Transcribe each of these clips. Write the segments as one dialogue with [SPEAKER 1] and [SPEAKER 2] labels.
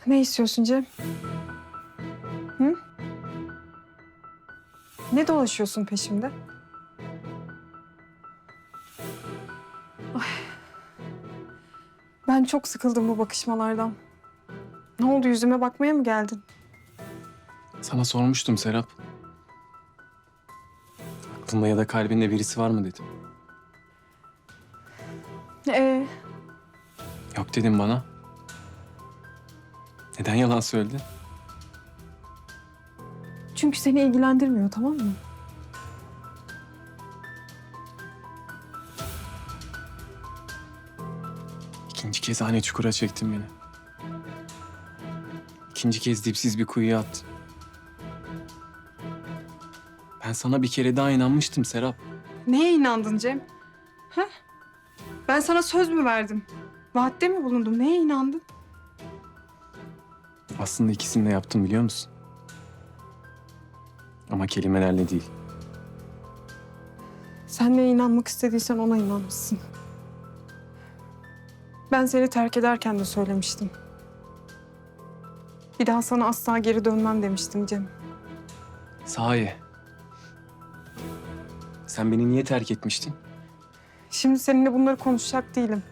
[SPEAKER 1] Ne istiyorsun Cem? Hı? Ne dolaşıyorsun peşimde? Ay. Ben çok sıkıldım bu bakışmalardan. Ne oldu, yüzüme bakmaya mı geldin?
[SPEAKER 2] Sana sormuştum Serap. Aklında ya da kalbinde birisi var mı dedim.
[SPEAKER 1] Ee,
[SPEAKER 2] Yok dedim bana. Neden yalan söyledin?
[SPEAKER 1] çünkü seni ilgilendirmiyor, tamam mı?
[SPEAKER 2] İkinci kez aynı çukura çektin beni. İkinci kez dipsiz bir kuyuya attın. Ben sana bir kere daha inanmıştım Serap.
[SPEAKER 1] Neye inandın Cem? Ha? Ben sana söz mü verdim? Vaatte mi bulundum? Neye inandın?
[SPEAKER 2] Aslında ikisini de yaptım biliyor musun? Ama kelimelerle değil.
[SPEAKER 1] Sen neye inanmak istediysen ona inanmışsın. Ben seni terk ederken de söylemiştim. Bir daha sana asla geri dönmem demiştim Cem.
[SPEAKER 2] Sahi. Sen beni niye terk etmiştin?
[SPEAKER 1] Şimdi seninle bunları konuşacak değilim.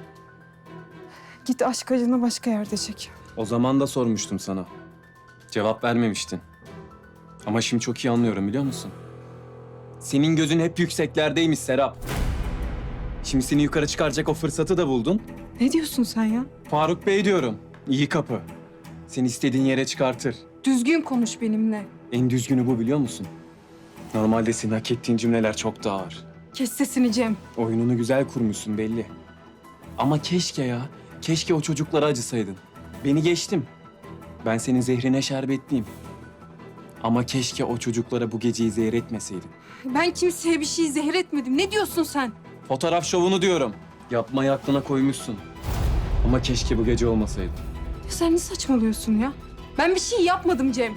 [SPEAKER 1] Git aşk acını başka yerde çek.
[SPEAKER 2] O zaman da sormuştum sana. Cevap vermemiştin. Ama şimdi çok iyi anlıyorum biliyor musun? Senin gözün hep yükseklerdeymiş Serap. Şimdi seni yukarı çıkaracak o fırsatı da buldun.
[SPEAKER 1] Ne diyorsun sen ya?
[SPEAKER 2] Faruk Bey diyorum. İyi kapı. Seni istediğin yere çıkartır.
[SPEAKER 1] Düzgün konuş benimle.
[SPEAKER 2] En düzgünü bu biliyor musun? Normalde senin hak ettiğin cümleler çok daha ağır.
[SPEAKER 1] Kes sesini Cem.
[SPEAKER 2] Oyununu güzel kurmuşsun belli. Ama keşke ya, keşke o çocuklara acısaydın. Beni geçtim. Ben senin zehrine şerbetliyim. Ama keşke o çocuklara bu geceyi zehir etmeseydin.
[SPEAKER 1] Ben kimseye bir şey zehir etmedim. Ne diyorsun sen?
[SPEAKER 2] Fotoğraf şovunu diyorum. Yapmayı aklına koymuşsun. Ama keşke bu gece olmasaydı.
[SPEAKER 1] Sen ne saçmalıyorsun ya? Ben bir şey yapmadım Cem.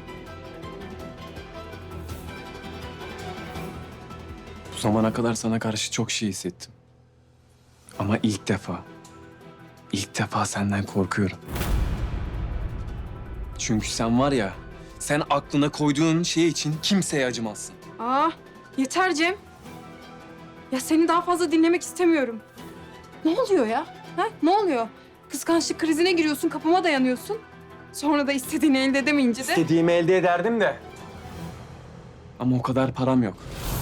[SPEAKER 2] Bu zamana kadar sana karşı çok şey hissettim. Ama ilk defa senden korkuyorum. Çünkü sen var ya, sen aklına koyduğun şey için kimseye acımazsın.
[SPEAKER 1] Yeter Cem. Ya seni daha fazla dinlemek istemiyorum. Ne oluyor ya? Ha? Ne oluyor? Kıskançlık krizine giriyorsun, kapıma dayanıyorsun. Sonra da istediğini elde edemeyince de...
[SPEAKER 2] İstediğimi elde ederdim de. Ama o kadar param yok.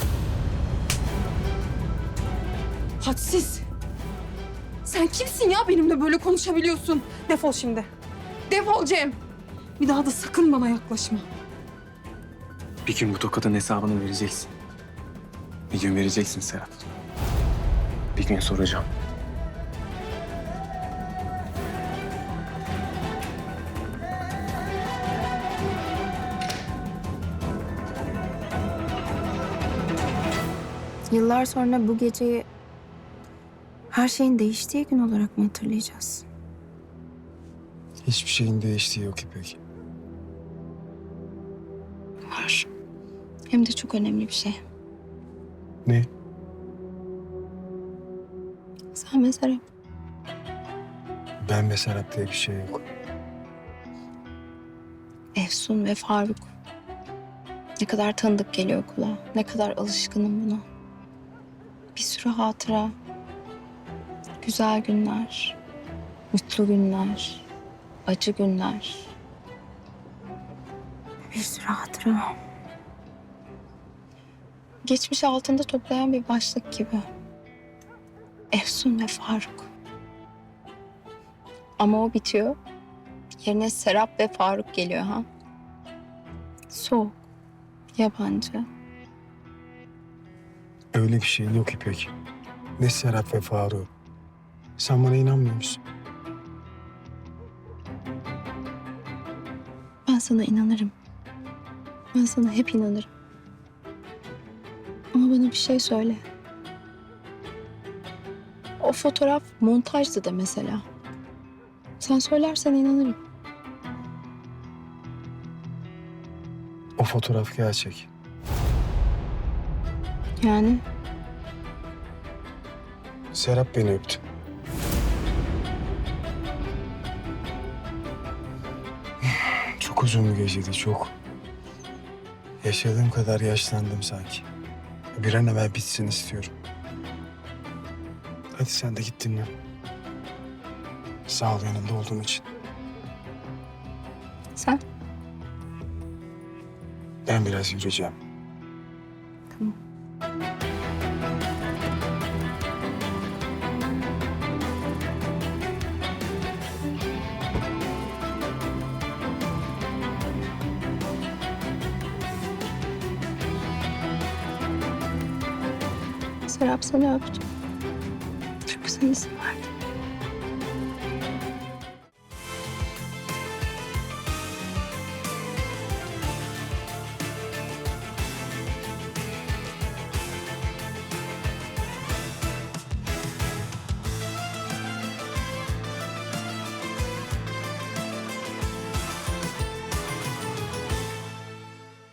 [SPEAKER 1] Hadsiz. Sen kimsin ya benimle böyle konuşabiliyorsun? Defol şimdi. Defol Cem. Bir daha da sakın bana yaklaşma.
[SPEAKER 2] Bir gün bu tokatın hesabını vereceksin. Bir gün vereceksin Serap. Bir gün soracağım.
[SPEAKER 3] Yıllar sonra bu geceyi her şeyin değiştiği gün olarak mı hatırlayacağız?
[SPEAKER 4] Hiçbir şeyin değiştiği yok İpek.
[SPEAKER 3] Var. Hem de çok önemli bir şey.
[SPEAKER 4] Ne?
[SPEAKER 3] Sen ve Serap.
[SPEAKER 4] Ben ve Serap diye bir şey yok.
[SPEAKER 3] Efsun ve Faruk. Ne kadar tanıdık geliyor kulağa. Ne kadar alışkınım buna. Bir sürü hatıra. Güzel günler. Mutlu günler. Acı günler. Bir sürü hatıra. Geçmiş altında toplayan bir başlık gibi. Efsun ve Faruk. Ama o bitiyor. Yerine Serap ve Faruk geliyor ha. Soğuk, yabancı.
[SPEAKER 4] Öyle bir şey yok İpek. Ne Serap ve Faruk. Sen bana inanmıyor musun?
[SPEAKER 3] Ben sana inanırım. Ben sana hep inanırım. Ama bana bir şey söyle. O fotoğraf montajdı da mesela. Sen söylersen inanırım.
[SPEAKER 4] O fotoğraf gerçek.
[SPEAKER 3] Yani
[SPEAKER 4] Serap beni öptü. Çok uzun bir geceydi, çok. Yaşadığım kadar yaşlandım sanki. Bir an evvel bitsin istiyorum. Hadi sen de git dinlen. Sağ ol yanımda olduğun için.
[SPEAKER 3] Sen?
[SPEAKER 4] Ben biraz yürüyeceğim.
[SPEAKER 3] Tamam. Serap seni öptüm. Çok seni seviyorum.